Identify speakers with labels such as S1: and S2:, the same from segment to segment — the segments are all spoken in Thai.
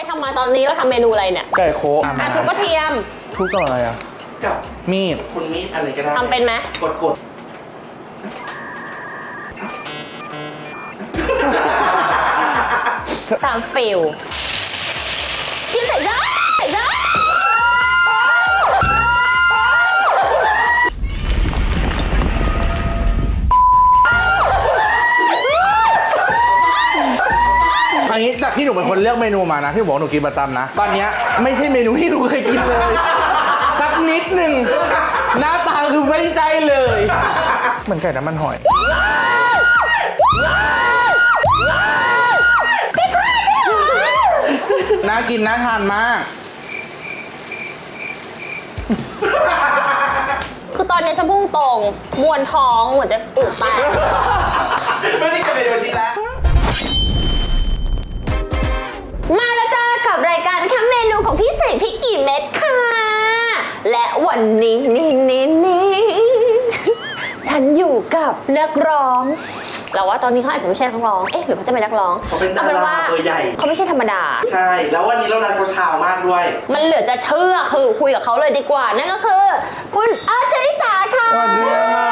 S1: ทำมาตอนนี้เราทำเมนูอะไรเนี่ย
S2: ไก่โค
S1: ทุบกระเทียม
S2: ทุบต่ออะไรอ่ะ
S3: กับ
S2: มีด
S3: คุณมีดอะไรก็ได้
S1: ทำเป็นไหม
S3: กด
S1: ตามฟิลที่ใส่ได้
S2: อันนี้จากที่หนูเป็นคนเลือกเมนูมานะที่บอกหนูกินประจำนะตอนนี้ไม่ใช่เมนูที่หนูเคยกินเลยสักนิดหนึ่งหน้าตาคือไม่ใช่เลยเหมือนไก่น้ำมันหอยน่ากินน่าทานมาก
S1: คือตอนนี้ฉันพุ่งตรงมวนท้องเหมือนจะอึแตก
S3: ไม่ได้กินเมนูชิ้นแล้ว
S1: มาแล้วจ้ากับรายการแค่เมนูของพี่ใส่พริกกี่เม็ดค่ะและวันนี้ฉันอยู่กับนักร้องเราว่าตอนนี้เขาอาจจะไม่ใช่นักร้องหรือเขาจะเป็นนักร้อง
S3: เขาเป็นดาราเบอร์ใหญ่
S1: เขาไม่ใช่ธรรมดา
S3: ใช่แล้ววันนี้เรานัดเขาเช้ามากด้วย
S1: มันเหลือจะเชื่อคือคุยกับเขาเลยดีกว่านั่นก็คือคุณเชลิสาค่ะ
S2: สวัสดีค่ะ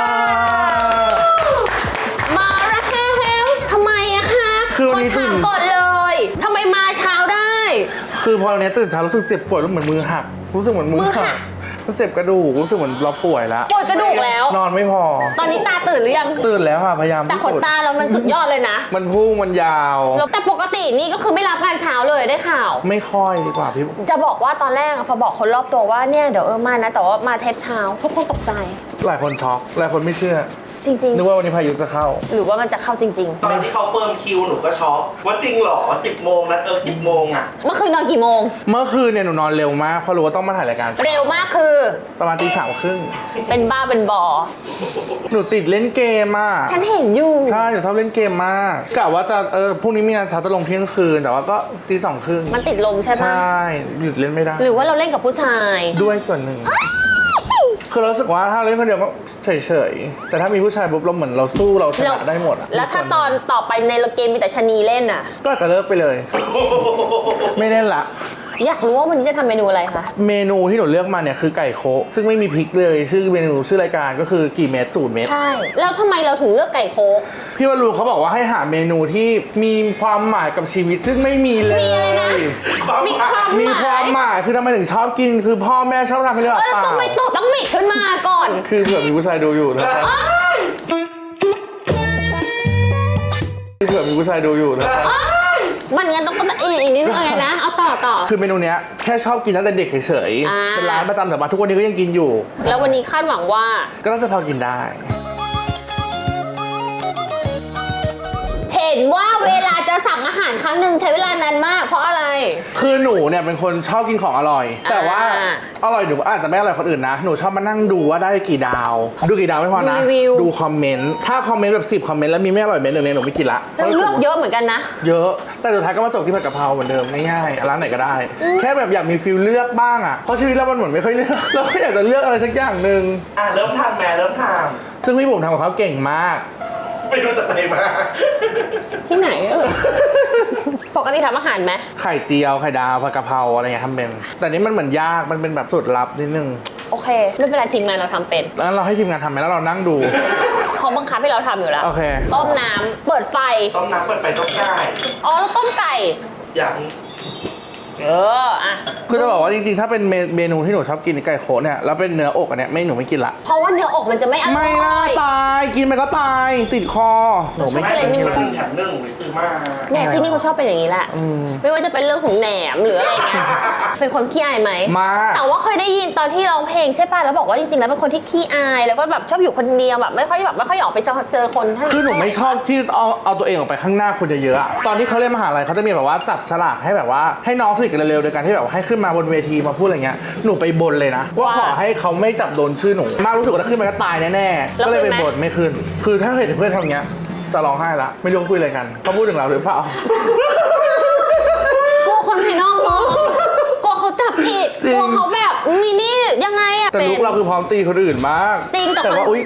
S1: มาแล้วทำไมอะคะ
S2: คือวันนี้
S1: ถามก่อนเลยทำไมมาเช้าได้
S2: คือพอวันนี้ตื่นเช้ารู้สึกเจ็บปวดแล้วเหมือนมือหักรู้สึกเหมือนมือหักรู้สึกกระดูกรู้สึกเหมือนเราป่วยแล้ว
S1: ปวดกระดูกแล้ว
S2: นอนไม่พอ
S1: ตอนนี้ตาตื่นหรือยัง
S2: ตื่นแล้วค่ะพยายาม
S1: แต่ขนตาเรามันสุดยอดเลยนะ
S2: มันพุ่งมันยาว
S1: แต่ปกตินี่ก็คือไม่รับงานเช้าเลยได้ข่าว
S2: ไม่ค่อยดีกว่าพี่
S1: จะบอกว่าตอนแรกพอบอกคนรอบตัวว่าเนี่ยเดี๋ยวมานะแต่ว่ามาเทปเช้าทุกคนตกใจ
S2: หลายคนช็อกหลายคนไม่เชื่อ
S1: จริงๆ
S2: นึกว่าวันนี้พายุจะเข้า
S1: หรือว่ามันจะเข้าจริง
S3: ๆตอนที่เขาเฟิร์มคิวหนูก็ช็อกว่าจริงเหรอ10 โมงนะ10 โมงอ่ะ
S1: เมื่อคืนนอนกี่โมง
S2: เมื่อคืนเนี่ยหนูนอนเร็วมากเพราะรู้ว่าต้องมาถ่ายรายการ
S1: เร็วมากคือ
S2: ประมาณตี 3:30
S1: เป็นบ้าเป็นบอ
S2: หนูติดเล่นเกมอ่ะ
S1: ฉันเห็นอยู่
S2: ใช่หนูชอบเล่นเกมมากกะว่าจะพรุ่งนี้มีงานเช้าจะลงเที่ยงคืนแต่ว่าก็ตี 2:30
S1: มันติดลมใช่ไหม
S2: ใช่หยุดเล่นไม่ได้
S1: หรือว่าเราเล่นกับผู้ชาย
S2: ด้วยส่วนหนึ่งคือรู้สึกว่าถ้าเล่นคนเดียวก็เฉยๆแต่ถ้ามีผู้ชายปุ๊บเราเหมือนเราสู้เราชนะได้หมด
S1: แล้วถ้าตอนต่อไปในเกมมีแต่ชะนีเล่นอ่ะ
S2: ก็จะเลิกไปเลยไม่เล่นละ
S1: อยากรู้ว่าวันนี้จะทำเมนูอะไรคะ
S2: เมนูที่หนูเลือกมาเนี่ยคือไก่โคะซึ่งไม่มีพริกเลยชื่อเมนูชื่อรายการก็คือกี่เม็ด0 เม็ด
S1: ใช่แล้วทำไมเราถึงเลือกไก่โคะ
S2: พี่วรูเขาบอกว่าให้หาเมนูที่มีความหมายกับชีวิตซึ่งไม่มีเลย
S1: มีอะไรนะ
S2: มีความหมายคือทำไมถึงชอบกินคือพ่อแม่ชอบทำให้เรา
S1: เปล่าต้องไม่ตุต้องบิดขึ้นมาก่อน
S2: คือเผื่อมีผู้ชายดูอยู่นะครับเผื่อมีผู้ชายดูอยู่นะครับ
S1: มันงั้นต้องอีกนิดนึงอะไรนะเอาต่อ
S2: คือเมนูเนี้ยแค่ชอบกินตั้งแต่เด็กเฉยๆเป็นร้านประจำแต่มาทุกวันนี้ก็ยังกินอยู่
S1: แล้ววันนี้คาดหวังว่า
S2: ก็น่าจะพอกินได้
S1: เห็นว่าเวลาจะสั่งอาหารครั้งหนึ่งใช้เวลานานมากเพราะอะไร
S2: คือหนูเนี่ยเป็นคนชอบกินของอร่อยแต่ว่าอร่อยหนูอาจจะไม่อร่อยคนอื่นนะหนูชอบมานั่งดูว่าได้กี่ดาวดูกี่ดาวไม่พอนะดูคอมเมนต์ถ้าคอมเมนต์แบบ10 คอมเมนต์แล้วมีไม่อร่อยเมนต์หนึ่งเนี่ยหนูไม่กินละ
S1: เราเลือกเยอะเหมือนกันนะ
S2: เยอะแต่สุดท้ายก็มาจบที่ผัดกะเพราเหมือนเดิมง่ายๆร้านไหนก็ได้แค่แบบอยากมีฟิลเลือกบ้างอ่ะเพราะชีวิตเรามันเหมือนไม่ค่อยเลือกเราก็อยากจะเลือกอะไรสักอย่างหนึ่ง
S3: เริ่มทำแม่เริ่มทำ
S2: ซึ่งพี่บุ๋มทำกับเขาเก่งมาก
S3: ไม่รู้จะไปมา
S1: ที่ไหนปกติทำอาหารไหม
S2: ไข่เจียวไข่ดาวผัดกะเพราอะไรเงี้ยทำเป็นแต่นี้มันเหมือนยากมันเป็นแบบสูตรลับนิดนึง
S1: โอเคไม่เป็นไรทีมงานเราทำเป็น
S2: แล้วเราให้ทีมงานทำไหมแล้วเรานั่งดู
S1: เขาบังคับให้เราทำอยู่แล้ว
S2: โอเค
S1: ต้มน้ำเปิดไฟ
S3: ต้มน้ำเปิดไฟต้มไก่
S1: แล้วต้มไก่
S3: อย่าง
S2: คือจะบอกว่าจริงๆถ้าเป็นเมนูที่หนูชอบกินไก่โคเนี่ยแล้วเป็นเนื้ออกอันเนี้ยหนูไม่กินละ
S1: เพราะว่าเนื้ออกมันจะไม่อร่อย
S2: ไม่น่าตายกินไปก็ตายติดคอ
S3: หนูไม่กิน1 แถม 1ไปซื้อมา
S1: เนี่ยที่นี่เขาชอบเป็นอย่างนี้แหละไม่ว่าจะเป็นเรื่องของแหนมหรืออะไรเงี้ยเป็นคนขี้อายไหมแต่ว่าเคยได้ยินตอนที่ร้องเพลงใช่ป่ะแล้วบอกว่าจริงๆแล้วเป็นคนที่ขี้อายแล้วก็แบบชอบอยู่คนเดียวแบบไม่ค่อยออกไปเจอคน
S2: คือหนูไม่ชอบที่เอาตัวเองออกไปข้างหน้าคนเยอะๆตอนที่เขาเล่นมหาลัยเขาจะมีแบบว่าจับฉลากให้แบบว่าให้น้องสนิทกันเร็วๆโดยการที่แบบให้ขึ้นมาบนเวทีมาพูดอะไรเงี้ยหนูไปบนเลยนะว่าขอให้เขาไม่จับโดนชื่อหนูมากรู้สึกว่าถ้าขึ้นมาก็ตายแน่ๆก็เลยไปบนไม่ขึ้นคือถ้าเห็นเพื่อนทำเงี้ยจะร้องไห้ละไม่รู้คุยอะไรกันเขาพูดถึงเราหรือเปล่าก
S1: ลัวคนภายนอกเนาะกลัวเขาจับผิดกลัวเขาแบบนี่ยังไงอะ
S2: แต่ลูกเราคือพร้อมตีคนอื่นมาก
S1: จริง
S2: แต่ว่าอุ๊ย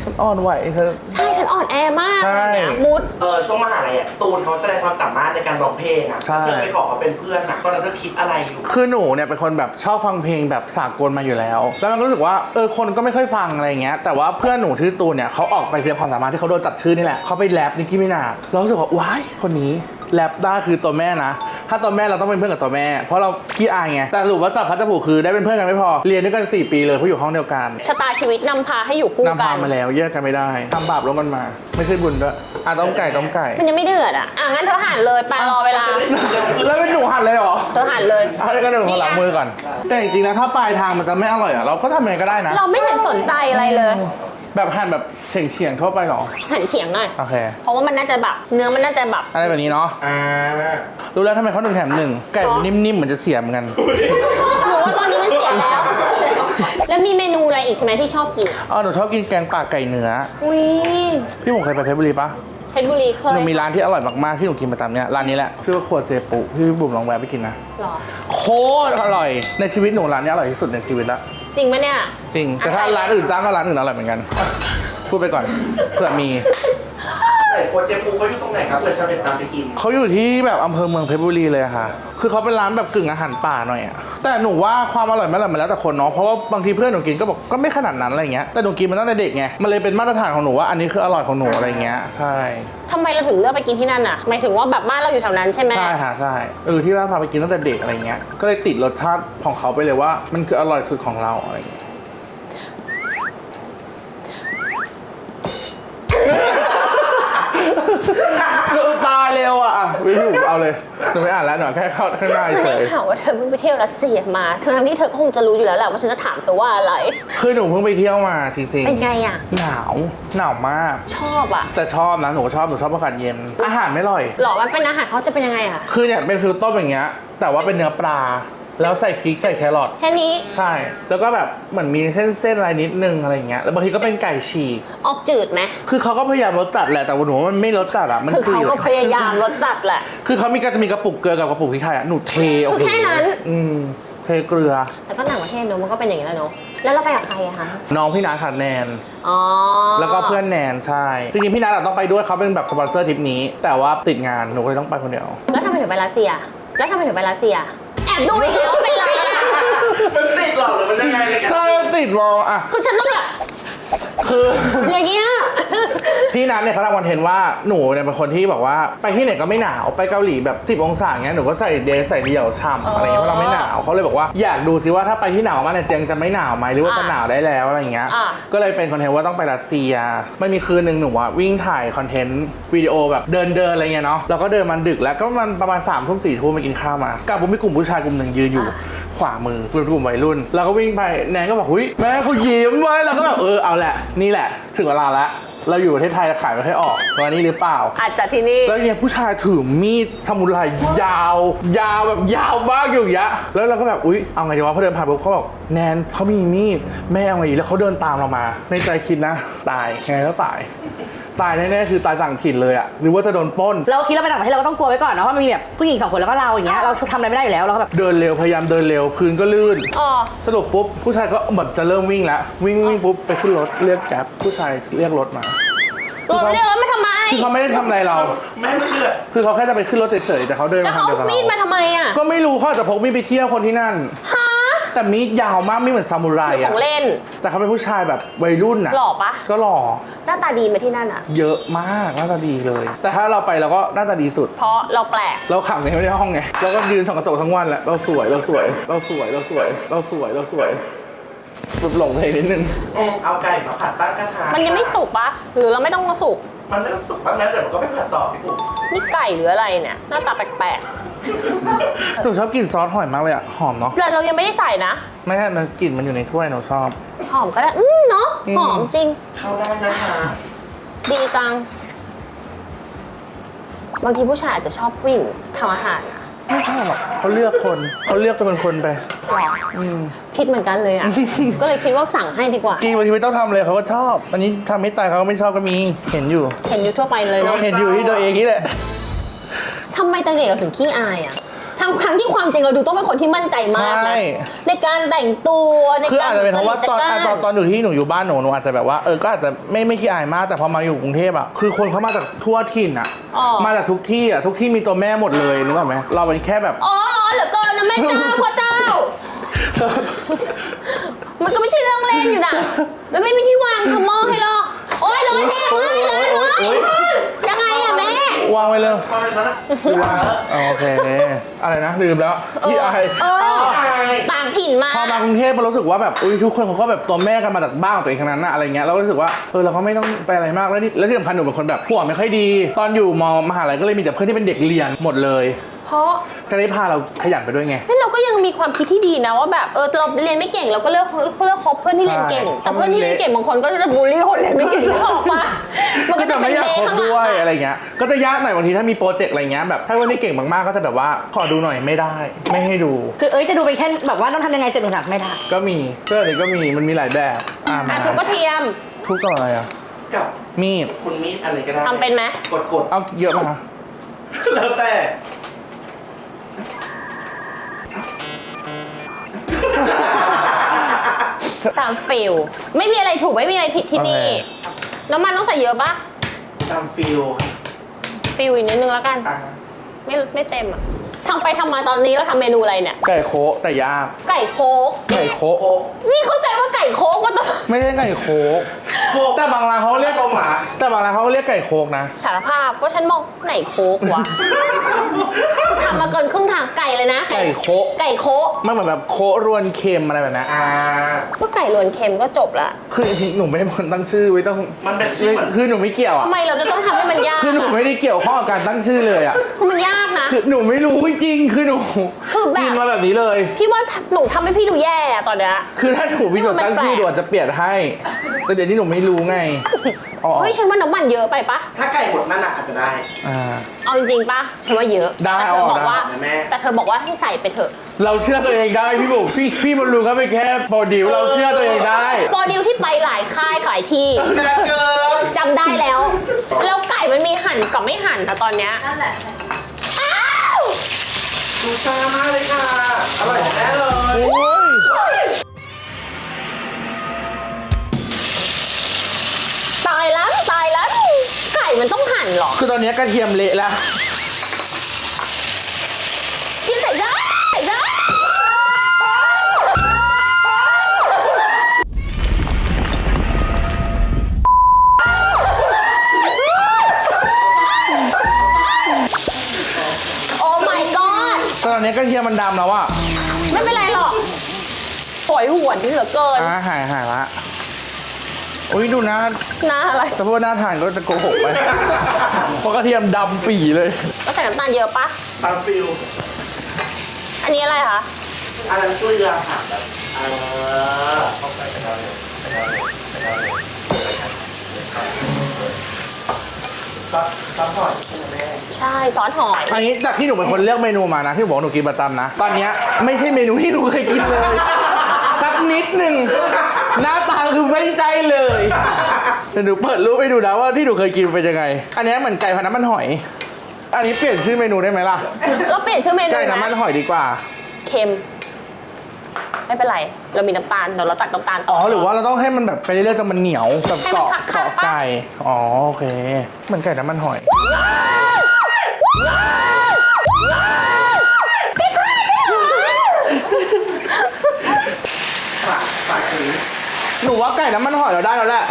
S2: ฉันอ่อนไหวเธอ
S1: ใช่ฉันอ่อนแอมาก
S2: ใช่
S1: อะไรเงี้ยมุด
S3: ช่วงมหาลัยอ่ะตูนเขาแสดงความสามารถในการร้องเพลงอ่ะ
S2: ใช่
S3: เธอไปขอเขาเป็นเพื่อนอ่ะตอนนั้นเธอคิดอะไรอยู่
S2: คือหนูเนี่ยเป็นคนแบบชอบฟังเพลงแบบสากลมาอยู่แล้ว แล้วมันก็รู้สึกว่าคนก็ไม่ค่อยฟังอะไรเงี้ยแต่ว่าเพื่อนหนูที่ตูนเนี่ยเขาออกไปแสดงความสามารถที่เขาโดนจัดชื่อนี่แหละเขาไปแรปนิกกี้มินาเรารู้สึกว่าว้ายคนนี้แรปได้คือตัวแม่นะถ้าตัวแม่เราต้องเป็นเพื่อนกับตัวแม่เพราะเราขี้อายไงแต่สรุปว่าจับพัดจับผูกคือได้เป็นเพื่อนกันไม่พอเรียนด้วยกัน4 ปีเลยเพราะอยู่ห้องเดียวกัน
S1: ชะตาชีวิตนำพาให้อยู่คู่
S2: นำ
S1: กั
S2: พาน มาแล้วแยกกันไม่ได้ทำบาปร่วมกันมา ไม่ใช่บุญด้วยต้มไก่
S1: มันยังไม่เดือดอ่ะงั้นเธอหั่นเลยไปรอเวลา
S2: แล้วเป็นหนูหั่นเลยเหรอ
S1: เธอหั่นเลย
S2: เอาเลยกันหนึ่งหลังมือก่อนแต่จริงๆนะถ้าปลายทางมันจะไม่อร่อยอ่ะเราก็ทำยังไงก็ได้นะ
S1: เราไม่เห็นสนใจอะไรเลย
S2: แบบหั่นแบบเฉียงๆทั่วไปเหรอ
S1: หั่นเฉียงหน่อย
S2: โอเค
S1: เพราะว่ามันน่าจะแบบเนื้อมันน่าจะแบบ
S2: อะไรแบบนี้เนาะรู้แล้วทำไมเขา1 แถม 1ไก่นิ่มๆเหมือนจะเสียเหมือนกัน
S1: หนูว่าตอนนี้มันเสียแล้ว แล้วมีเมนูอะไรอีกใช่ไหมที่ชอบกิน
S2: หนูชอบกินแกงป่าไก่เนื้อ
S1: อุ้ย
S2: พี่ผมเคยไปเพชรบุรีปะ
S1: เพชรบุรีเค
S2: ห
S1: ย
S2: นูมีร้านที่อร่อยมากๆที่หนูกินประจำเนี่ยร้านนี้แหละชื่อว่าครัวเจปุพี่บุ๋มลองแวะไปกินนะ
S1: หรอ
S2: โคตรอร่อยในชีวิตหนูร้านนี้อร่อยที่สุดในชีวิตละ
S1: จริงปะเนี่ย
S2: จริงแต่ถ้าร้านอื่นจ้างก็ร้านอื่นอร่อยเหมือนกันพูดไปก่อนเผื่อมี
S3: ไหนโคเจปูเขาอยู่ตรงไหนครับเผื่อชาวเน็ตตามไปกิน
S2: เขาอยู่ที่แบบอำเภอเมืองเพชรบุรีเลยอะค่ะ คือเขาเป็นร้านแบบกึ่งอาหารป่าหน่อยอะแต่หนูว่าความอร่อยไม่อร่อยมันแล้วแต่คนเนาะ เพราะว่าบางทีเพื่อนหนูกินก็บอกก็ไม่ขนาดนั้นอะไรเงี้ย แต่หนูกินมาตั้งแต่เด็กไง มันเลยเป็นมาตรฐานของหนูว่าอันนี้คืออร่อยของหนูอะไรเงี้ย ใช่
S1: ทำไมเราถึงเลือกไปกินที่นั่นอ่ะหมายถึงว่าแบบบ้านเราอยู่แถวนั้นใช่ไหม
S2: ใช่ค่ะใช่ที่บ้านพาไปกินตั้งแต่เด็กอะไรเงี้ย ก็เลยติดรสชาติของเขาไปเลยว่ามันคืออร่อยสุดของเราอะไรเงี้ย คือตายเร็วอ่ะวิวเอาเลยหนูไม่อ่านแล้วหนูแค่เข้าข้างหน้า
S1: ฉัน
S2: เฉ
S1: ได้
S2: ย
S1: ข่าวว่าเธอเพิ่งไปเที่ยวรัสเซียมาทั้งที่เธอก็คงจะรู้อยู่แล้วแหละว่าฉันจะถามเธอว่าอะไร
S2: คือหนูเพิ่งไปเที่ยวมาจริงๆ
S1: เป็นไงอ่ะ
S2: หนาวมาก
S1: ชอบอ่ะ
S2: แต่ชอบนะหนูชอบอากาศเย็น อาหารไม่อร่อย
S1: หรอมันเป็นอาหารเขาจะเป็นยังไงอ่ะ
S2: คือเนี่ยเป็นฟิลต้มอย่างเงี้ยแต่ว่าเป็นเนื้อปลา แล้วใส่พริกใส่แครอท
S1: แค่นี้
S2: ใช่ แล้วก็แบบเหมือนมีเส้นอะไรนิดนึงอะไรเงี้ยแล้วบางทีก็เป็นไก่ฉีก
S1: ออกจืดไหม
S2: คือเขาก็พยายามรสจัดแหละแต่ว่าหนูว่ามันไม่รสจัดอ่ะมัน
S1: คือเขาก็พยายามรสจัดแหละ
S2: คือเขาจะมีกระปุกเกลือกับกระปุกพริกไทยอ่ะหนูเทโอ้โห
S1: คือแค่นั้น
S2: เทเกลือ
S1: แต่ก็ต่างประเทศเนอะมันก็เป็นอย่างนี้แหละเนอะแล้วเราไปกับใครอะคะ
S2: น้องพี่นาขาดแนน
S1: อ๋อ
S2: แล้วก็เพื่อนแนนใช่จริงๆพี่นัทต้องไปด้วยเขาเป็นแบบสปอนเซอร์ทริปนี้ แต่ว่าติดงานหนูก็เลยต้องไปคนเดียว
S1: แล้วทำไมถึงไปรัสเซีย แล้วทำไมถึงไปรัสเซีย แอบดูอีกแล้วเป็นไรอะ
S3: มันติดหรอหรือมันยังไงเลยกัน
S2: ใช่ติดวอลอ่ะ
S1: คือฉันต้องแบบ
S2: คือ
S1: อย่างเงี้ย
S2: พี่นัทเนี่ยเขาทำคอนเทนต์ว่าหนูเนี่ยเป็นคนที่แบบว่าไปที่ไหนก็ไม่หนาวไปเกาหลีแบบ10 องศาเงี้ยหนูก็ใส่เดรสใส่เดี่ยวฉ่ำอะไรเงี้ยเพราะเราไม่หนาวเขาเลยบอกว่าอยากดูซิว่าถ้าไปที่หนาวมากเนี่ยเจงจะไม่หนาวไหมหรือว่าจะหนาวได้แล้วอะไรเงี้ยก็เลยเป็นคอนเทนต์ว่าต้องไปรัสเซียไม่มีคืนนึงหนูว่าวิ่งถ่ายคอนเทนต์วิดีโอแบบเดินอะไรเงี้ยเนาะแล้วก็เดินมันดึกแล้วก็มันประมาณ3 ทุ่ม4 ทุ่มไปกินข้าวมากับผมมีกลุ่มผู้ชายกลุ่มหนึ่งยืนอยู่ขวามือเป็นกลุ่มวัยรุ่นแล้วก็วิ่งไปแนนก็บอกหุ้ยแม่เขายิ้มไว้แล้วก็แบบเอาแหละนี่แหละถึงเวลาแล้วเราอยู่ประเทศไทยขายไม่ให้ออกวันนี้หรือเปล่า
S1: อาจจะที่นี่
S2: แล้วเนี่ยผู้ชายถือมีดซามูไรยาวแบบยาวมากอยู่อย่างเงี้ยแล้วเราก็แบบอุ๊ยเอาไงดีวะพอเดินผ่านปุ๊บเขาบอกแนนเขามีมีดแม่เอาไงดีแล้วเขาเดินตามเรามาในใจคิดนะตายไงก็ตายแน่ๆคือตายต่างถิ่นเลยอะหรือว่าจะโดนปล้น
S4: เราคิดเราไปต่างประเทศเราก็ต้องกลัวไว้ก่อนนะเพราะมันมีแบบผู้หญิง2 คนแล้วก็เราอย่างเงี้ยเราทำอะไรไม่ได้อยู่แล้วเราก็แบบ
S2: เดินเร็วพยายามเดินเร็วพื้นก็ลื่น
S1: อ๋อ
S2: สรุปปุ๊บผู้ชายก็แบบจะเริ่มวิ่งแล้ววิ่งปุ๊บไปขึ้นรถเรียกแก๊ปผู้ชายเรียกรถมา
S1: รถเรียกรถมาทำไม
S2: คือเขาไม่ได้ทำอะไรเรา
S3: แม่ไม่เชื่อ
S2: คือเขาแค่จะไปขึ้นรถเฉยๆแต่เขาเดิน
S1: แล้ว
S2: มา
S1: เขา
S2: ทางเดียว
S1: เอา
S2: กับ
S1: มีดมา
S2: เรา
S1: ทำไมอะ
S2: ก็ไม่รู้เขาอาจจะพกมีดไปเที่ยวคนที่นั่น
S1: ฮะ
S2: แต่มีดยาวมากไม่เหมือนซามูไร
S1: หรือข
S2: อะ
S1: องเล่น
S2: แต่เขาเป็นผู้ชายแบบวัยรุ่นอะ
S1: หล่อปะ
S2: ก็หล่อ
S1: หน้าตาดีไหมาที่นั่นอะ
S2: เยอะมากหน้าตาดีเลย แต่ถ้าเราไปเราก็หน้าตาดีสุด
S1: เพราะเราแปลก
S2: เราขังในไม่ได้ห้องไงเราก็ยืนส่องกระจกทั้งวันแหละเราสวยแบบหลงเพลงนิดนึง
S3: เอาไก่มาผัดตั้งกระทะ
S1: มันยังไม่สุกปะหรือเราไม่ต้องมาสุก
S3: มันไม่ต้องสุกบ้างนะเดี๋ยวมันก็ไม่ผัดต่อพี่ปุ๊
S1: นี่ไก่หรืออะไรเนี่ย หน้าตาแปลก
S2: หนูชอบกลิ่นซอสหอยมากเลยอะหอมเนาะ
S1: ๆแต่เรายังไม่ได้ใส่นะ
S2: ไม่ใช่มันกลิ่นมันอยู่ในถ้วยหนูชอบ
S1: หอมก็ได้ เนาะ หอมจริง
S3: เข้าได้นะคะ
S1: ดีจัง บางทีผู้ชายอาจจะชอบผู้หญิงทำอาหารนะ
S2: ไม่ใช่หรอกเขาเลือกจะเป็นคนไป
S1: หรอคิดเหมือนกันเลยอ่ะ ก็เลยคิดว่าสั่งให้ดีกว่า
S2: จริงบางทีไม่ต้องทำเลยเขาก็ชอบอันนี้ทำให้ตายเขาก็ไม่ชอบก็มีเห็นอยู่
S1: เห็นอยู่ทั่วไปเลยเนาะ
S2: เห็นอยู่ที่ตัวเองนี่แหละ
S1: ทำไมตอนเด็กเราถึงขี้อายอ่ะทั้งที่ความจริงเราดูต้องเป็นคนที่มั่นใจมาก
S2: ใช่
S1: นะในการแต่งตัวใน
S2: คือ
S1: การ
S2: อาจจะเป็นเพราะว่าตอน
S1: จัดการ
S2: ตอนอยู่ที่หนูอยู่บ้านหนูอาจจะแบบว่าก็อาจจะไม่ขี้อายมากแต่พอมาอยู่กรุงเทพอะคือคนเขามาจากทั่วถิ่นอะ
S1: อ๋อ
S2: มาจากทุกที่อะทุกที่มีตัวแม่หมดเลยนึกออกไหมเราเป็นแค่แบบ
S1: อ๋อเหลือเกินนะแม่เจ้าพ่อเจ้า มันก็ไม่ใช่เรื่องเล่นอยู่นะแล้วไม่มีที่วางทำหม้อให้หรอโอ๊ยร้อนแห้งเลยร้อนด้วยยังไงอะแม่
S2: วางไว้เลย
S3: พอเลยนะ
S2: โอเคอะไรนะลืมแล้วขี้อาย
S1: ต่างถิ่นมา
S2: พอมากรุงเทพเรารู้สึกว่าแบบอุ้ยทุกคนเขาก็แบบตัวแม่กันมาจากบ้านของตัวเองทั้งนั้นนะอะไรเงี้ยเราก็รู้สึกว่าเราก็ไม่ต้องไปอะไรมากแล้วที่สำคัญหนูเป็นคนแบบหัวไม่ค่อยดี ตอนอยู่มหาลัยก็เลยมีแต่เพื่อนที่เป็นเด็กเรียนหมดเลย
S1: เพราะ
S2: ก็ได้พาเราขยันไปด้วยไง
S1: เราก็ยังมีความคิดที่ดีนะว่าแบบเราเรียนไม่เก่งเราก็เลือกคบเพื่อนที่เรียนเก่ง
S2: ใช่
S1: แต่เพื่อนที่เรียนเก่งบางคนก็จะบูลลี่คนเรียนไม่เก่งออกมามัน
S2: ก็
S1: ก็
S2: จะ
S1: จะ
S2: ไม่
S1: เป็น
S2: อยาก
S1: เละ
S2: คบ
S1: ข้างหลัง
S2: ด้วย
S1: อะ
S2: อะไรเงี้ยก็จะยากหน่อยบางทีถ้ามีโปรเจกต์อะไรเงี้ยแบบถ้าวันนี้เก่งมากๆก็จะแบบว่าขอดูหน่อยไม่ได้ ไม่ให้ดู
S4: คือจะดูไปแค่แบบว่าต้องทำยังไงเสร็จหนูทำไม่ได้
S2: ก็มีเสื้อนี้ก็มีมันมีหลายแบบมา
S1: ทุกกระเทียม
S2: ทุกต่ออะไรอ่ะ
S3: กับ
S2: มีด
S3: คุณมีดอะไรก็ได้
S1: ทำเป็นไหม
S3: กด
S2: เอาเยอะป่ะคะ
S3: แล้วแต่
S1: ตามฟิลไม่มีอะไรถูกไม่มีอะไรผิดที่นี่น้ำมันต้องใส่เยอะปะ
S3: ตามฟิล
S1: ฟิลอีกนิดนึงแล้วกัน
S3: อ่ะ
S1: ไม่เต็มอ่ะทำไปทำมาตอนนี้เราทำเมนูอะไรเนี่ย
S2: ไก่โคะแต่ยาก
S1: ไก่โคก
S2: ไก่โคะ
S3: โคก
S1: นี่เข้าใจว่าไก่โคกมาตอน
S2: ไม่ใช่ไก่โคะ
S3: โคก
S2: แต่บางร้านเขาเรียก
S3: ตรงหมา
S2: แต่บางร้านเขาเรียกไก่โคกนะ
S1: สารภาพก็ฉันมองไหนโคกวะทำมาเกินครึ่งทางไก่เลยนะ
S2: ไก่โคะ
S1: ไก่โคก
S2: มันเหมือนแบบโคะรวนเค็มอะไรแบบนั้น
S1: ก็ไก่รวนเค็มก็จบละ
S2: คือจริงๆหนูไม่ได้เป็นคนตั้งชื่อไว้ต้อง
S3: มันเป็นชื่อเหมือน
S2: คือหนูไม่เกี่ยวอ่ะ
S1: ทำไมเราจะต้องทำให้มันยาก
S2: คือหนูไม่ได้เกี่ยวข้องกับการตั้งชื่อเลยอ่ะ
S1: คือมันยากนะ
S2: คือหนูไม่รู้จริงๆคือหนู
S1: คือแบบ
S2: กินมาแบบนี้เลย
S1: พี่ว่าหนูทำให้พี่ดูแย่อะตอนเนี้ย
S2: คือถ้าหนูมีจดตั้งชื่อด่วนจะเปลี่ยนให้ แต่เดี๋ยวนี้หนูไม่รู้ไงอ๋อ
S1: เฮ้ยฉันว่าน้ำมันเยอะไปปะ
S3: ถ้าไก่หมดนั่นน่ะอาจจะได้
S2: อ่า
S1: เอาจริงๆปะฉันว่าเยอะ
S2: ได้
S1: แต่เธอบอก
S2: เอาออก
S1: ว่า
S3: ได้แม่
S1: แต่เธอบอกว่าให้ใส่ไปเถอะ
S2: เราเชื่อตัวเองได้พี่บุ๋มพี่บอลลูนเขาเป็นแค่โปรดิวเราเชื่อตัวเองได้
S1: โปรดิวที่ไปหลายค่ายหลายที่
S3: แน่เกิน
S1: จำได้แล้ว แล้วไก่มันมีหั่นกับไม่หั่นแต่ตอนเนี้ยนั่นแหละอ้าว
S3: ดูจ้ามากเลยค่ะ อร่อยแน่เลย
S2: โอ้ย
S1: ตายแล้วไก่มันต้องหั่นเหรอ
S2: คือตอนนี้กระเทียมเละแล้ว
S1: กินใส่ได้โอ้ my god
S2: ตอนนี้กระเทียมมันดำแล้วอะ
S1: ไม่เป็นไรหรอกโหยหวนเหลือเกิน
S2: หายละอุ้ยดูนะ
S1: หน้าอะไร
S2: แต่พวกหน้าทานก็จะโกหกไป เพราะกระเทียมดำปี่เลย
S1: ก็ใส่น้ำตาลเยอะปะ
S3: ตามฟิล
S1: อันนี้อะไรคะ
S3: อันนั้นเกลือค่ะแบบเข้าไปกันแล้วซับพอร์ตใช่ไหมแม่
S1: ใช่ซอสหอย
S2: อันนี้จากที่หนูเป็นคนเลือกเมนูมานะที่บอกว่าหนูกินประจำนะ ตอนเนี้ยไม่ใช่เมนูที่หนูเคยกินเลย สักนิดหนึ่งหน้าตาคือไม่ใช่เลยเดี๋ยวหนูเปิดรูปให้ดูนะว่าที่หนูเคยกินเป็นยังไง อันเนี้ยเหมือนไก่พันน้ำมันหอย อันนี้เปลี่ยนชื่อเมนูได้ไหมล่ะ
S1: เราเปลี่ยนชื่อเมนู
S2: ไก่น้ำมัน
S1: นะ
S2: หอยดีกว่า
S1: เค็ม ไม่เป็นไร เรามีน้ำตาลเดี๋ยวเราตักน้ำตาลต่
S2: อ๋อหรือว่าเราต้องให้มันแบบไปเรื่อยๆจนมันเหนียวแบบ
S1: ให้มัน
S2: เกาะ
S1: ขัดๆ
S2: เกาะไก่อ๋อโอเคเหมือนไก่น้ำมันหอย
S3: ฝากถึง
S2: หนูว่าไก่น้ำมันหอยเราได้แล้วแหละ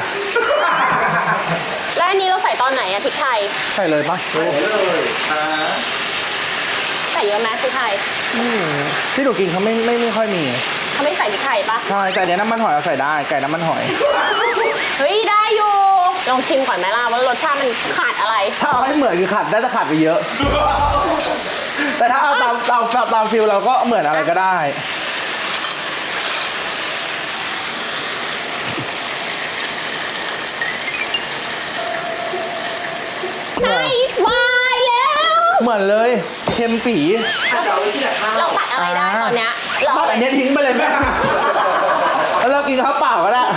S1: แล้วอันนี้เราใส่ตอนไหนอะพริกไทย
S2: ใส่เลยปะ
S3: ไปเลย
S1: ใส่เยอะไหมพริกไทย
S2: ที่หนูกินเขาไม่ค่อยมี
S1: เขาไม่ใส่พริกไทยปะ
S2: ใช่แต่เนี้ยน้ำมันหอยเราใส่ได้ไก่น้ำมันหอย
S1: เฮ้ยได้อยู่ ลองชิมก่อนไหมล่ะว่ารสชาติมันขาดอะไร
S2: ถ้าเอาให้เหมือนคือขาดน่าจะขาดไปเยอะ แต่ถ้าเอาตามฟิลเราก็เหมือนอะไรก็ได้
S1: ใช่วายแล้ว
S2: เหมือนเลยเค็มปี
S3: ถ้าจะเอาไว้ที่ไหนข้าว
S1: เราตัดอะไรได้ตอนเนี้ยเรา
S2: ตัดอันเนี้ยทิ้งไปเลยแม่แล้วเรากินข้าวเปล่าก็ได้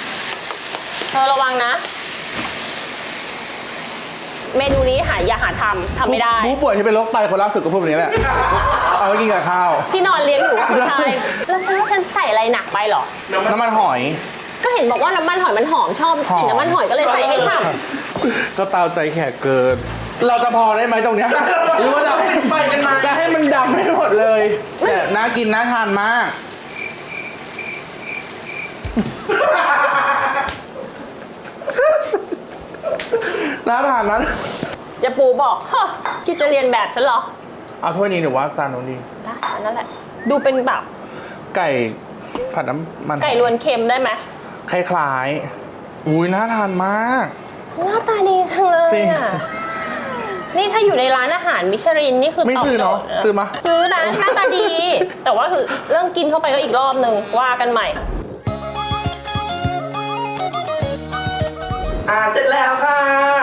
S1: เธอระวังนะ เมนูนี้อย่าหาททำไม่ได้
S2: ผู้ป่วยที่เป็นโรคไตคนล่าสุดก็พูดแบบนี้แหละ เอาไว้กินกับข้าว
S1: ที่นอนเลี้ยงอยู่ผู้ชายแล้วฉันใส่อะไรหนักไปเหรอ
S2: น้ำมันหอย
S1: ก็เห็นบอกว่าน้ำมันหอยมันหอมชอบกลิ่นน้ำมันหอยก็เลยใส่ให้ฉ่
S2: ก็ตามใจแขกเกิน เราจะพอได้ไหมตรงเนี้ยหรือว่าจะ
S3: ไปกันมา
S2: จะให้มันดำให้หมดเลย แต่น่ากินน่าทานมาก น่าทานนะ
S1: ำเจะปูบอกเฮ้อคิดจะเรียนแบบฉันเหรอ
S2: เอาถ้วยนี้หรือว่าจานนู้นดี
S1: ได้อันนั่นแหละ ดูเป็นแบบ
S2: ไก่ผัดน้ำมัน
S1: ไก่รวนเค็มได้ไหม
S2: คล้ายๆอุ้ยน่าทานมาก
S1: หน้าตาดีจังเลย
S2: จริง
S1: อ่ะนี่ถ้าอยู่ในร้านอาหารมิชลินนี่คือ
S2: ไม่
S1: ตอบ
S2: ซื้อ
S1: โจ
S2: เนาะ
S1: ทย์
S2: ซื้อมา
S1: ซื้อนะหน้าตาดี แต่ว่าคือเรื่องกินเข้าไปก็อีกรอบนึงว่ากันใหม่
S3: เสร็จแล้วค่ะ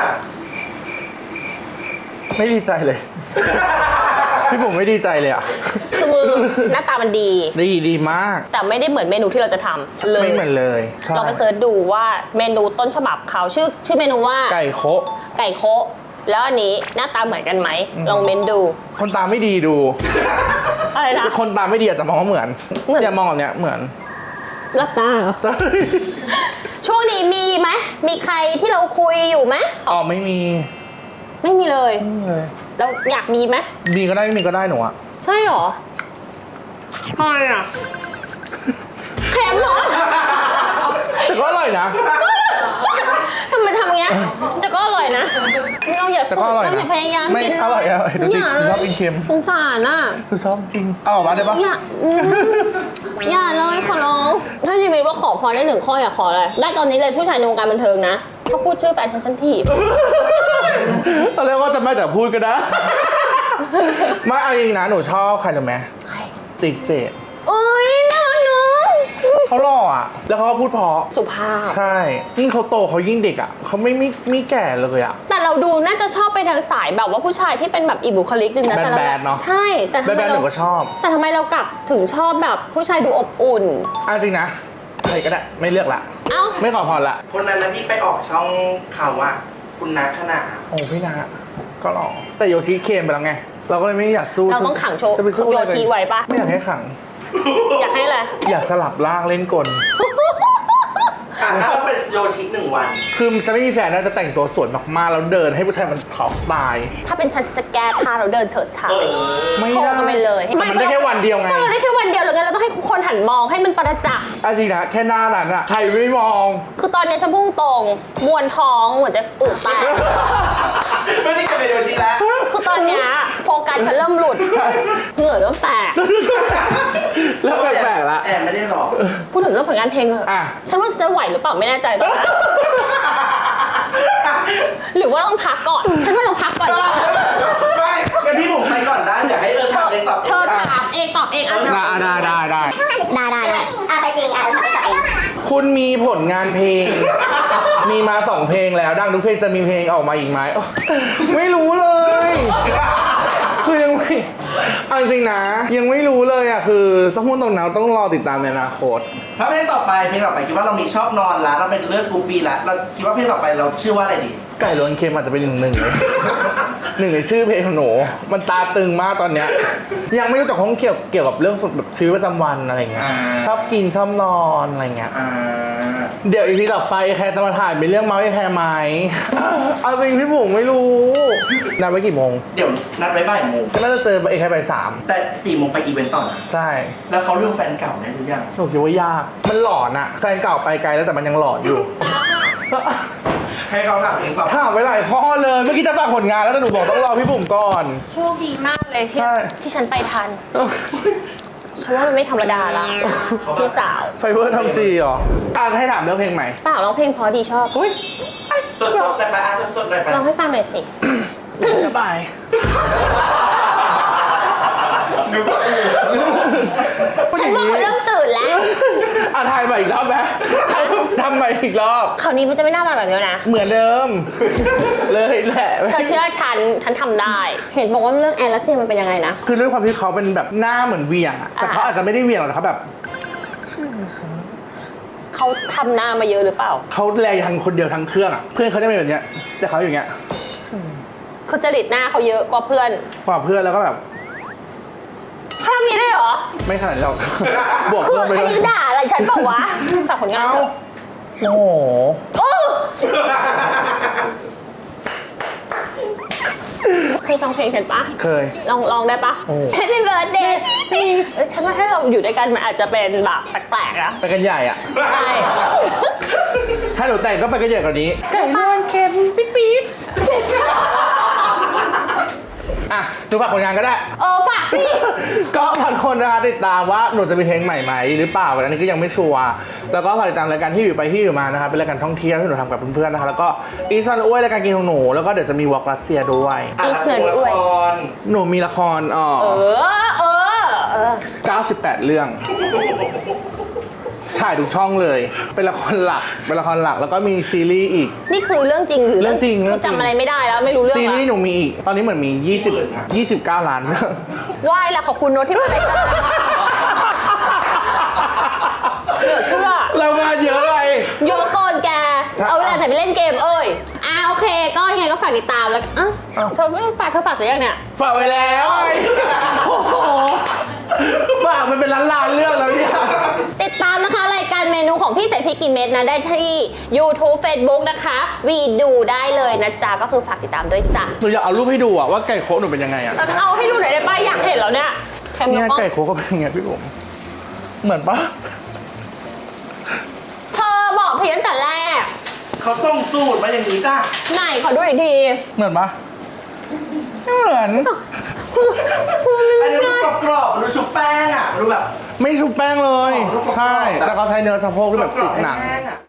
S2: ไม่ดีใจเลย พี่ผมไม่ดีใจเลยอ่ะ
S1: คือมือหน้าตามันดี
S2: ดีมาก
S1: แต่ไม่ได้เหมือนเมนูที่เราจะทำเลย
S2: ไม่เหมือนเลยใช่
S1: เราไปเสิร์ชดูว่าเมนูต้นฉบับเขาชื่อเมนูว่า
S2: ไก่โคะ
S1: ไก่โคะแล้วอันนี้หน้าตาเหมือนกันไหมลองเมนดู
S2: คนตาไม่ดีดู
S1: อะไรนะ
S2: คนตาไม่ดีอาจจะมองว่าเหมือน
S1: เหมือน
S2: อย่ามองแบบเนี้ยเหมือน
S1: รับตาเหรอช่วงนี้มีไหมมีใครที่เราคุยอยู่ไหม
S2: อ๋อไม่มี
S1: ไม่มีเลย
S2: ไม่มีเลย
S1: เราอยากมีไหม
S2: มีก็ได้ไม่มีก็ได้หนูอะ
S1: ใช่หรอทำไมอ่ะเค็มเหรอ
S2: แต่ก็อร่อยนะ
S1: ทำไมทำอย่างเงี้ยแต่ก็อร่อยนะเราอย่า
S2: แต่ก็อร่อย
S1: เรา
S2: นะ
S1: อย่าพยายาม
S2: ไม่
S1: กิน
S2: อร่อยดูดิ
S1: อย่า
S2: ชอบกินเค็ม
S1: สงสารอ่ะ
S2: คือชอบจริงเอาออกมาได้ปะ
S1: อย่าอย่าเลยขอร้องถ้าชีวิตว่าขอพรได้หนึ่งข้ออยากขออะไรได้ตอนนี้เลยผู้ชายในวงการบันเทิงนะถ้าพูดชื่อแฟนฉันถีบ
S2: ตอนแรกว่าจะไม่แต่พูดก็ได้ ไม่เอาจริงนะหนูชอบใครรู้ไหม
S1: ใคร
S2: ติ๊กเจด
S1: เอ้ยน่ารักเนอะ
S2: เขาหล่ออ่ะ แล้วเขาก็พูดเพราะ
S1: สุภาพ
S2: ใช่ยิ่งเขาโตเขายิ่งเด็กอ่ะเขาไม่แก่เลยอ่ะ
S1: แต่เราดูน่าจะชอบไปทางสายแบบว่าผู้ชายที่เป็นแบบอีกบุคลิกนึงนะแต่เรา
S2: แบดๆเนอะ
S1: ใช่แต่ทำไม
S2: แบดๆห
S1: เรา
S2: นูก็ชอบ
S1: แต่ทำไมเรากลับถึงชอบแบบผู้ชายดูอบอุ่น
S2: อ่ะจริงนะใครก็ได้ไม่เลือกละ
S1: เอ้า
S2: ไม่ขอพรละ
S3: คนนั้นนะที่ไปออกช่องข่าวว่าคุณนาขนาด
S2: โอ้พี่นาก็หล่อแต่โยชิเค็มไปแล้วไง เราก็เลยไม่อยากสู้
S1: เราต้องขังโชว์
S2: จะไปสู้
S1: โยชิไว้ปะ
S2: ไม่อยากให้ขัง
S1: อยากให้อะไร
S2: อยากสลับร่างเล่นกล
S3: ถ้าเราเป็นโยชิ1 วัน
S2: คือจะไม่มีแฟนน่าจะแต่งตัวสวยมากๆแล้วเดินให้ผู้ชายมันช็อกตาย
S1: ถ้าเป็นฉันจะแก้ผ้าเราเดินเฉิดฉาย
S2: ไม่
S1: โชว์กันไปเลย
S2: แต่มันได้แค่วันเดียวไง
S1: ก็เราได้แค่วันเดียวเลยไงเราต้องให้คนหันมองให้มันประจักษ์
S2: อ่ะจริงนะแค่หน้านั้นอะใครไม่มอง
S1: คือตอนเนี้ยฉันพุ่งตรงมวนท้องเหมือนจะอึแตก
S3: ไม่ได้จะเป็นโยชิแล้ว
S1: คือตอนเนี้ยโฟกัสฉันเริ่มหลุดเหงื่อเริ่มแตก
S2: แล้วแปลกๆละ
S3: แอนไม่ได้หรอก
S1: พูดถึงเรื่องผลงานเพลงเลย
S2: อ่ะ
S1: ฉันว่าจะไหวหรือเปล่าไม่แน่ใจตอนนั้นหรือว่าต้องพักก่อน ฉันว่าเราพักก่อนดีกว่า
S3: ไม่งั้นพี่ผมไปก่อนได้เดี๋ยวให้เอิญทำเองตอบ
S1: เธอถามเองตอบเองอ่ะ
S2: ได้
S5: ได้ไปจริงทำให้ตัวเอง
S2: คุณมีผลงานเพลง มีมา 2 เพลงแล้วดังทุกเพลงจะมีเพลงออกมาอีกไหมโอ้ไม่รู้เลย คือยังไม่เอาจริงๆนะ ยังไม่รู้เลยอ่ะคือต้องพูดตรงๆต้องรอติดตามในอนาคต
S3: ถ้าเพลงต่อไปคิดว่าเรามีชอบนอนแล้วเราเป็นเลือดกรุ๊ปบีแล้วเราคิดว่าเพลงต่อไปเราชื่อว่าอะไรดี
S2: ไก่ล้วนเค็มอาจจะเป็นหนึ่งเลยหนึ่งในชื่อเพลงของหนูมันตาตึงมากตอนเนี้ยยังไม่รู้จักของเกี่ยวกับเรื่องแบบชีวิตประจำวันอะไรเงี้ยชอบกินชอบนอนอะไรเงี้ย เดี๋ยวอีพีต่อไปแคร์จะมาถ่ายเป็นเรื่องเมาส์ให้แคร์ไหมเอาจริงพี่บุ๋มไม่รู้นัดไว้กี่โมง
S3: เดี๋ยวนัดไว้บ่ายโมง
S2: ก็น่าจะเจอไอ้แคร์ไปสาม
S3: แต่4 โมงไปอีเวนต์ต่อนะ
S2: ใช่
S3: แล้วเขาเรื่องแฟนเก่าได้หรือยัง
S2: หนูคิดว่ายากมันหลอนอะแฟนเก่าไปไกลแล้วแต่มันยังหลอนอยู่
S3: ให้เขาถามเองตอบ
S2: ถามไว้หลายข้อเลยเมื่อกี้จะฝากผลงานแล้วแต่หนูบอกต้องรอพี่บุ๋มก่อน
S1: โชคดีมากเลยที่
S2: ใช่
S1: ที่ฉันไปทันฉันว่ามันไม่ธรรมดาละพี่สาว
S2: ไฟเบอร์ทำซีเหรอให้ถามเรื่องเพลงใหม่
S1: เปล่าร้องเพลงเพอดีชอบ
S2: อุ้ย
S3: สดๆได้ไปสดๆได้ไป
S1: ร้องให้ฟังหน่อยสิ
S2: สบาย
S1: ฉันว่าเขาเริ่มตื่นแล้ว
S2: ถ่ายใหม่อีกรอบไหมทำใหม่อีกรอบ
S1: คราวนี้มันจะไม่น่ามาแบบนี้นะ
S2: เหมือนเดิม เลยแหละ
S1: เธอเชื่อฉันทำได้ เห็นบอกว่าเรื่องแอนรัสเซียมันเป็นยังไงนะ
S2: คือด้วยความที่เขาเป็นแบบหน้าเหมือนเวียงอะแต่เขาอาจจะไม่ได้เวียงหรอกเขาแบบ
S1: เขาทำหน้ามาเยอะหรือเปล่า
S2: เขาแลยังคนเดียวทั้งเครื่องอะเพื่อนเขาได้เป็นแบบเนี้ยแต่เขาอย่างเงี้ย
S1: คือจริตหน้าเขาเยอะกว่าเพื่อน
S2: กว่าเพื่อนแล้วก็แบบ
S1: เขาทำอย่างนี้ได้เหรอ
S2: ไม่ขนาดนั้นหรอก บวก
S1: คือ
S2: เพิ่มไป
S1: อัน
S2: เล
S1: นี้
S2: ย
S1: ด่าอะไรฉันบอกว่าฝากผลงาน
S2: เอ้า
S1: เถอะ
S2: โอ้โห
S1: โอ้เคยฟังเพลงฉันปะ
S2: เคย
S1: ลองได้ปะ
S2: โอ้
S1: Happy Birthday นี่ฉันว่าถ้าเราอยู่ด้วยกันมันอาจจะเป็นแบบแปลกๆนะ
S2: ไปกันใหญ่อ่ะ
S1: ใช่
S2: ถ้าหนูแต่งก็ไปกันใหญ่กว่านี้
S1: ไก่บ้านเค็มปี๊ด
S2: อ่ะหนูฝากผลงานก็ได้
S1: ฝากสิ
S2: ก็ฝากคนนะคะติดตามว่าหนูจะมีเพลงใหม่ไหมหรือเปล่าอันนี้ก็ยังไม่ชัวร์แล้วก็ฝากติดตามรายการที่อยู่ไปที่อยู่มานะคะเป็นรายการท่องเที่ยวที่หนูทำกับเพื่อนๆนะคะแล้วก็อีสานอ้วยรายการกินของหนูแล้วก็เดี๋ยวจะมีวอล์กรัสเซียด้วย
S1: อีสเนอร์ด้วย
S2: หนูมีละคร98 เรื่องถ่ายทุกช่องเลยเป็นละครหลักแล้วก็มีซีรีส์อีก
S1: นี่คือเรื่องจริงหรือ
S2: เรื่องจริง
S1: คือจำอะไรไม่ได้แล้วไม่รู้เรื่อง
S2: ซีรีส์ห
S1: ละ
S2: นูมีอีกตอนนี้เหมือนมี29 ล้านเรื่อง
S1: ไหว้ละขอบคุณโน้ตที่มารายการเหลือเชื่อ
S2: เรางานเยอะเลย
S1: เยอะเกินแก
S2: ใช่
S1: เอาเวลาไหนไปเล่นเกมโอเค ก็ยังไงก็ฝากติดตามแล้วเธอไม่ฝากเธอฝากเสียยังเนี่ย
S2: ฝากไว้แล้วไงโอ้โหฝากมันเป็นล้านๆเรื่องแล้วเนี่ย
S1: ติดตามนะคะรายการเมนูของพี่ใส่พริกกี่เม็ดนะได้ที่ YouTube Facebook นะคะวีดูได้เลยนะจ๊ะก็คือฝากติดตามด้วยจ้ะ
S2: หนูอยากเอารูปให้ดูอะว่าไก่โคกหนูเป็นยังไงอะ
S1: เอาให้ดูหน่อยได้ป่ะอยากเห็นแล้วเนี่ยเค็ม
S2: เนี่
S1: แล้
S2: ยว
S1: ก็
S2: ไก่โคกก็เป็นยังไงพี่ผมเหมือนปะ
S1: เธอบอกพี่ตั้งแต่แรก
S3: เขาต้องสูตรมาอย่างนี้จ้ะ
S1: ไหนขอดูอีกที
S2: เหมือนปะไม่เหมือน
S3: อันนี้ดูกรอบๆดูชุบแป้งอ่ะดูแบบ
S2: ไม่ชุบแป้งเลย
S3: อ๋อรูปกรอบๆ
S2: ใช่แต่เขาใช้เนื้อสะโพกที่แบบติดหนัง
S3: แห้